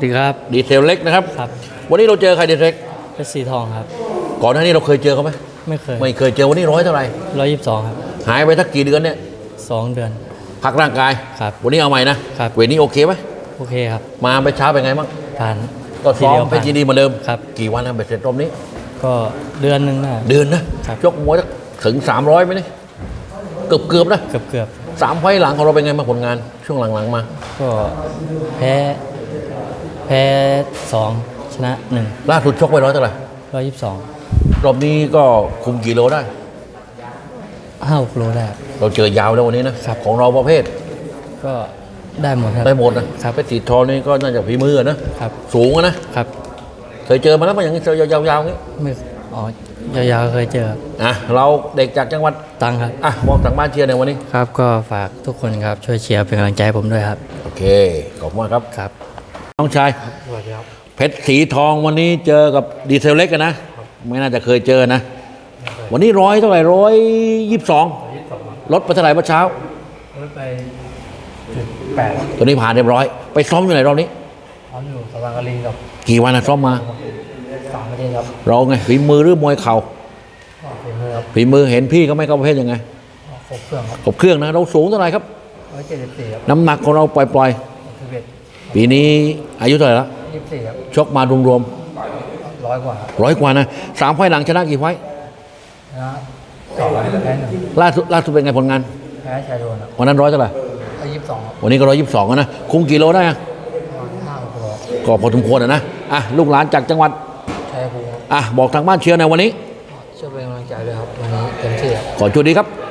ดีครับดีเทลเล็กนะครับครับวันนี้เราเจอใครดีเทลเล็กเพชรสีทองครับก่อนหน้านี้เราเคยเจอเขาไหมไม่เคยไม่เคยเจอวันนี้ร้อยเท่าไหร่ 122ครับหายไปสักกี่เดือนเนี่ย 2 เดือนพักร่างกายครับวันนี้เอาใหม่นะครับ เวทนี้โอเคไหมโอเคครับมาไปเช้าเป็นไงบ้างผ่านก็ซ้อมทีดียวเพชรยินดีเหมือนเดิมครับกี่วันนะเบ็ดเสร็จรอบนี้ก็เดือนหนึงนะเดือนนะครับ ยกมวยสักถึง300ไหมเนี่ยเกือบนะเกือบ 3 ไฟล์หลังของเราเป็นไงมางผลงานช่วงหลังๆมาก็แพ้2ชนะ1 ล่าสุดชกไปร้อยเท่าไหร่ 122 รอบนี้ก็คุมกี่โลได้ 5 กิโลได้ครับเราเจอยาวแล้ววันนี้นะครับ ของเราประเภทก็ได้หมดครับได้หมดนะครับ เพชรสีทองนี่ก็น่าจะฝีมือนะครับ สูงนะครับ เคยเจอมาแล้วมั้ยอย่างนี้ยาวๆอย่างนี้ไม่อ๋อยาวๆเคยเจอครับเราเด็กจากจังหวัดตังครับบอกทางบ้านเชียร์ในวันนี้ครับก็ฝากทุกคนครับช่วยเชียร์เป็นกำลังใจให้ผมด้วยครับโอเค ขอบคุณมากครับครับน้องชายสวัสดีครับเพชรสีทองวันนี้เจอกับดีเทลเล็กกันนะ ไม่น่าจะเคยเจอนะ วันนี้ร้อยเท่าไหร่122ลดไปเท่าไหร่เมื่อเช้ารถไป8 ตัวนี้ผ่านเรียบร้อย ไปซ้อมอยู่ไหนรอบนี้พร้อมอยู่สว่างกะลิงกับกี่วันนะซ้อมมา 3 ประเทศครับเราไงฝีมือหรือมวยเข่าก็เป็นมือครับฝีมือเห็นพี่เขาไม่เข้าประเภทยังไงครบเครื่องครับขบเครื่องนะ เราสูงเท่าไหร่ครับ 174ครับน้ำหนักของเราปล่อย 11 ๆ ปีนี้อายุเท่าไหร่ละ 24ครับชกมารวม 100 กว่าครับๆ100 กว่านะ3 ไฟล์หลังชนะกี่ไฟล์นะ2แพ้1 ล่าสุดเป็นไงผลงานแพ้ชายโดนครับวันนั้นร้อยเท่าไหร่ 22ครับวันนี้ก็122นะคุมกี่โลได้อะ 5 กิโลก็พอสมควรนะลูกหลานจากจังหวัดชัยภูมิครับบอกทางบ้านเชียร์ในวันนี้ช่วยเป็นกำลังใจด้วยครับวันนี้เต็มที่ครับขอโชคดีครับ